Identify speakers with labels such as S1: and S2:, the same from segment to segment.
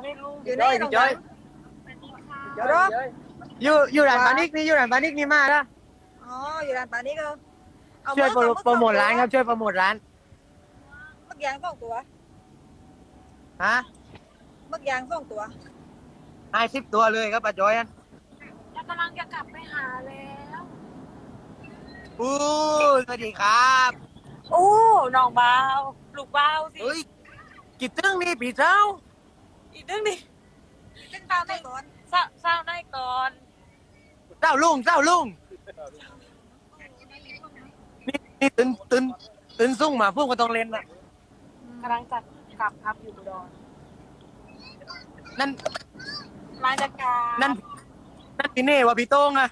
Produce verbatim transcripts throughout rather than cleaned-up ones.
S1: ไม่รู้
S2: อยู่นี่ตรงนั้น
S1: รถ
S3: อยู่อยู่ร้านปานิกนี่อยู่ร้านปานิกนี่มาแล้ว
S2: อ๋ออยู่ร้านปานี้ก็เอา
S3: ช่วยโปร
S2: เอ
S3: โปรโมทร้านครับช่วยโปรโมทร้าน
S2: หมึกยางสองตัว
S3: ฮะ
S2: หมึกยางสองตัว
S3: ให้สิบตัวเลยครับป้าจอยอัน
S1: แล้วกำลังจะกลับไปหาแล้ว
S3: อู้สวัสดีครับ
S1: โอ้น้องเบาลูกเบาสิ
S3: เฮ้ยกี่ตึ้งนี่ปีเจ้า
S1: อีกเรื่องหนึง
S2: ซึ่งตามไปก่อน
S1: เศร้าเศร้าได้ก่อน
S3: เจ้าลุงเจ้าลุงนี่นี่ตื่นตื่นตื่นซุ่งมาพุ่งก็ต้องเล่นนะ
S1: กำลังจะกลับครับอยู่อุดร
S3: นั่น
S1: มาจากการ
S3: นั่นนั่นพี่เน่ว่าพี่โต้งอะ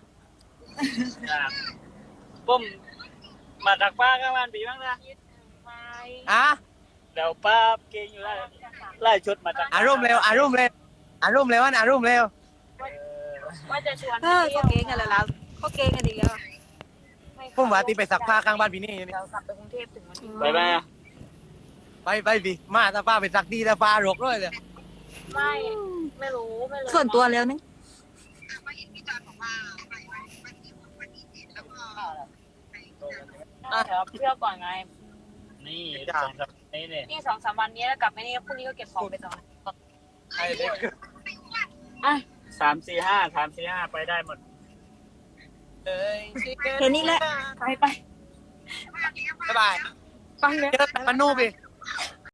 S4: ผมมาจากป้าก็บ้านปีบ้างนะ
S1: ไป
S3: อ่ะ
S4: เดี๋ยวป้าเก่งอยู่แล้วไล่ชุดมาจาก
S3: อารมณ์เร็วอารมณ์เร็วอารมณ์เร็วอันอารมณ์เร็ว
S1: ว่าจะชวน
S2: เออเขาเก่งกันแล้วเราเขาเก่งกันดีแล้ว
S3: พุ่งว่าตีไปสักผ้าข้างบ้านพี่เน่อยู่นี่
S1: เดี๋ยวกลับไปกรุงเทพถึงวันที่
S4: ไปไหมอะ
S3: ไปไปพี่มาตาป้าไปสักดีตาป้ารกเลยเลย
S1: ไม่ไม่รู้ไม่รู้
S2: ส่วนตัวแล้วนึง
S1: เดี๋ยวเที่ยวก่อนไง
S4: นี่สองสามนี่เนี่ย
S1: นี่สองสามวันนี้แล้วกลับไปนี่พรุ่งนี้ก็เก็บของไปต่อ
S3: ไอ้เด็ก
S1: อ่ะ
S4: สามสี่ห้าสามสี่ห้าไปได้หมด
S3: เอ้ย
S2: แค่นี้แหละ
S1: ไปไป
S3: บ๊ายบาย
S1: ไปเลย
S3: เจอกันมันนู่นพี่
S1: ไ